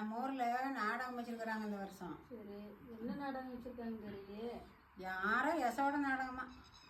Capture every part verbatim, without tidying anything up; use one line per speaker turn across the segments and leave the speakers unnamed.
நம்ம ஊர்ல நாடகம் வச்சிருக்கிறாங்க இந்த வருஷம்.
சரி, என்ன நாடகம் வச்சிருக்காங்க தெரியலையே.
யாரோ யசோட நாடகமா?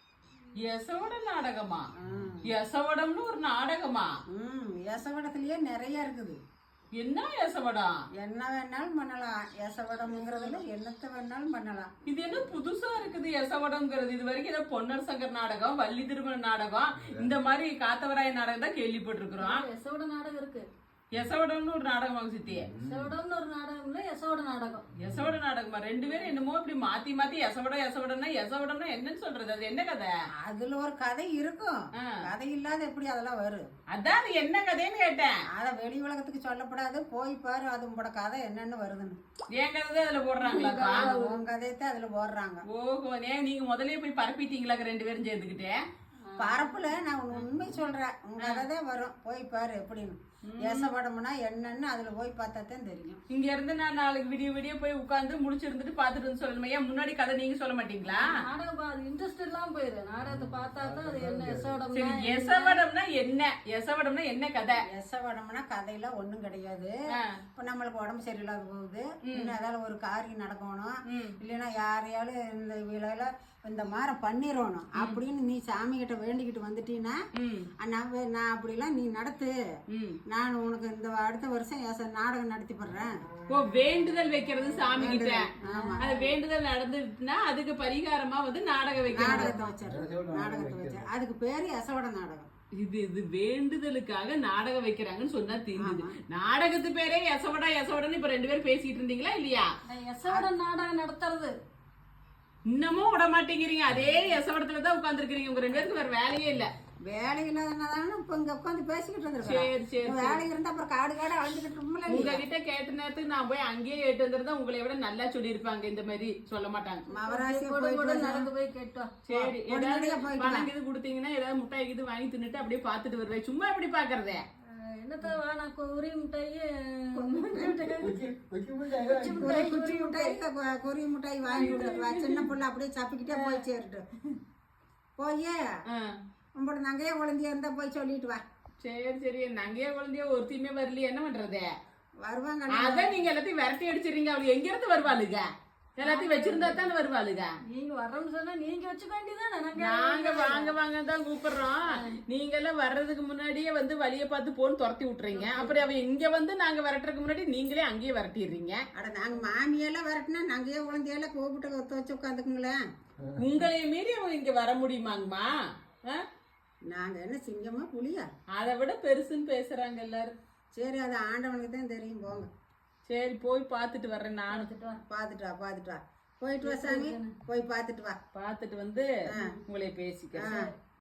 யசோட நாடகமா? யசவடம்னு ஒரு நாடகமா?
ம் யசவடத்திலேயே நிறைய இருக்குது.
என்ன யசவடம்?
என்ன வேணாலும் பண்ணலாம். யசவடம்ங்கிறதுல என்னத்தை வேணாலும் பண்ணலாம்.
இது என்ன புதுசா இருக்குது யசவடம்ங்கிறது? இது வரைக்கும் ஏதோ பொன்னர் சங்கர் நாடகம், வள்ளி திருமண நாடகம், இந்த மாதிரி காத்தவராய நாடகம் தான் கேள்விப்பட்டிருக்கிறோம்.
யசோட நாடகம் இருக்கு.
யசவடம்னு ஒரு நாடகம் சித்தி.
யசோடம்னு ஒரு நாடகம் இல்ல, யசோட நாடகம்.
யசோட நாடகமா? ரெண்டு பேரும் என்னமோ இப்படி மாத்தி மாத்தி யசவடம் யசவடம்னா யசவடம்னா என்னன்னு சொல்றது? அது என்ன கதை?
அதுல ஒரு கதை இருக்கும். கதை இல்லாத எப்படி அதெல்லாம் வரும்?
அதான் அது என்ன கதைன்னு கேட்டேன்.
அத வெளி உலகத்துக்கு சொல்லப்படாது. போய் பாரு அது உங்களோட கதை என்னன்னு வருதுன்னு.
என் கதை தான் அதுல போடுறாங்களா?
உன் கதையத்தான் அதுல போடுறாங்க.
ஓஹோ, ஏன் நீங்க முதலே போய் பரப்பிட்டீங்களா ரெண்டு பேரும் சேர்ந்துக்கிட்டே?
பரப்புல நான் உண்மை சொல்றேன். உங்க கதை வரும், போய் பாரு எப்படின்னு. யசவடம்னா என்னன்னு அதுல போய் பார்த்தா தான் தெரியும்.
இங்க இருந்து நான் நாளைக்கு விடிய விடிய போய் உட்கார்ந்து முடிச்சிருந்துட்டு பாத்துட்டு வந்து சொல்லணுமா? ஏன் முன்னாடி கதை நீங்க சொல்ல மாட்டீங்களா?
நாடகம் இன்ட்ரெஸ்ட் எல்லாம் போயிரு. நாடகத்தை பார்த்தா தான் அது என்ன யசோடம்.
யசவடம்னா என்ன? யசவடம்னா என்ன கதை?
யசவடம்னா கதையில ஒண்ணும் கிடையாது. இப்ப நம்மளுக்கு உடம்பு சரியில்லாத போகுது, இன்னும் ஏதாவது ஒரு காரியம் நடக்கணும், இல்லைன்னா யாரையாலும் இந்த விலையில இந்த மாதிரி பண்ணிடணும் அப்படின்னு நீ சாமி கிட்ட வேண்டிக்கிட்டு வந்துட்டீங்கன்னா, நான் அப்படிலாம் நீ நடத்து, நான் உனக்கு இந்த அடுத்த வருஷம் நாடகம் நடத்தி போடுறேன்.
ஓ, வேண்டுதல் வைக்கிறது சாமி கிட்ட. அது வேண்டுதல் நடந்துட்டுனா அதுக்கு பரிகாரமா வந்து நாடகம் வைக்க
நாடகத்தை வச்சிடறேன். நாடகத்தை வச்ச அதுக்கு பேரு யசவட நாடகம்.
இது இது வேண்டுதலுக்காக நாடகம் வைக்கிறாங்கன்னு சொன்னா தெரியுது. நாடகத்து பேரே யசவடா யசவடன்னு இப்ப ரெண்டு பேரும் பேசிட்டு இருந்தீங்களா இல்லையா?
யசவட நாடகம் நடத்துறது
இன்னமும் விட மாட்டேங்கிறீங்க. அதே யசவடத்துலதான் உட்கார்ந்து இருக்கிறீங்க. உங்க ரெண்டு பேருக்கு வேற வேலையே இல்ல.
வேலை இல்லாதனால இப்ப இங்க உட்காந்து பேசிக்கிட்டு இருந்திருக்கேன்.
சரி சரி,
வேலை இருந்தா அப்புறம் காடு காடு அழிஞ்சுக்கிட்டு
உங்ககிட்ட கேட்ட நேரத்துக்கு நான் போய் அங்கேயே கேட்டு வந்திருந்தா உங்களை விட நல்லா சொல்லியிருப்பாங்க. இந்த மாதிரி சொல்ல மாட்டாங்க.
நடந்து போய் கேட்டோம்.
சரி, ஏதாவது பணம் இது கொடுத்தீங்கன்னா ஏதாவது முட்டாய் இது வாங்கி தின்னுட்டு அப்படியே பாத்துட்டு வருவேன். சும்மா எப்படி பாக்குறதே?
என்னத்த வேணா, குறி மிட்டாய்
குச்சி மிட்டாய் குறி மிட்டாய் வாங்கி சின்ன பிள்ளை அப்படியே சப்பிக்கிட்டே போய் சேருட்டு போய் உங்களோட நங்கையே குழந்தையா இருந்தா போய் சொல்லிட்டு வா.
சரி சரி, நங்கையே குழந்தைய ஒருத்தையுமே வரலையே, என்ன பண்றது?
வருவாங்க.
அதான் நீங்க எல்லாத்தையும் விரட்டி அடிச்சிருங்க. அவளுக்கு எங்க இருந்து வருவாளுங்க? எல்லாத்தையும் வச்சிருந்தா தானே வருவாளுங்க.
நீங்க வர்றோம்னு சொன்னா நீங்க வச்சுக்க வேண்டியதானே.
நாங்க வாங்க வாங்க தான் கூப்பிடுறோம். நீங்க எல்லாம் வர்றதுக்கு முன்னாடியே வந்து வழிய பார்த்து போன்னு துரத்தி விட்டுறீங்க. அப்புறம் அவ இங்க வந்து நாங்க விரட்டுறதுக்கு முன்னாடி நீங்களே அங்கேயே விரட்டிடுறீங்க.
அட நாங்க மாமியெல்லாம் விரட்டினா நங்கையே குழந்தையெல்லாம் கூப்பிட்டு ஒத்து வச்சு உட்காந்துக்குங்களேன்.
உங்களைய மீறி அவங்க இங்க வர முடியுமாங்கம்மா?
நாங்க என்ன சிங்கமா புலியா?
அதை விட பெருசுன்னு பேசுறாங்க எல்லாரும்.
சரி, அது ஆண்டவனுக்கு தான் தெரியும். போங்க.
சரி, போய் பாத்துட்டு வர்றேன். நானு
பாத்துட்டு வா பாத்துட்டு வா போயிட்டு வா சாமி, போய் பாத்துட்டு வா.
பாத்துட்டு வந்து உங்களை பேசிக்கிறேன்.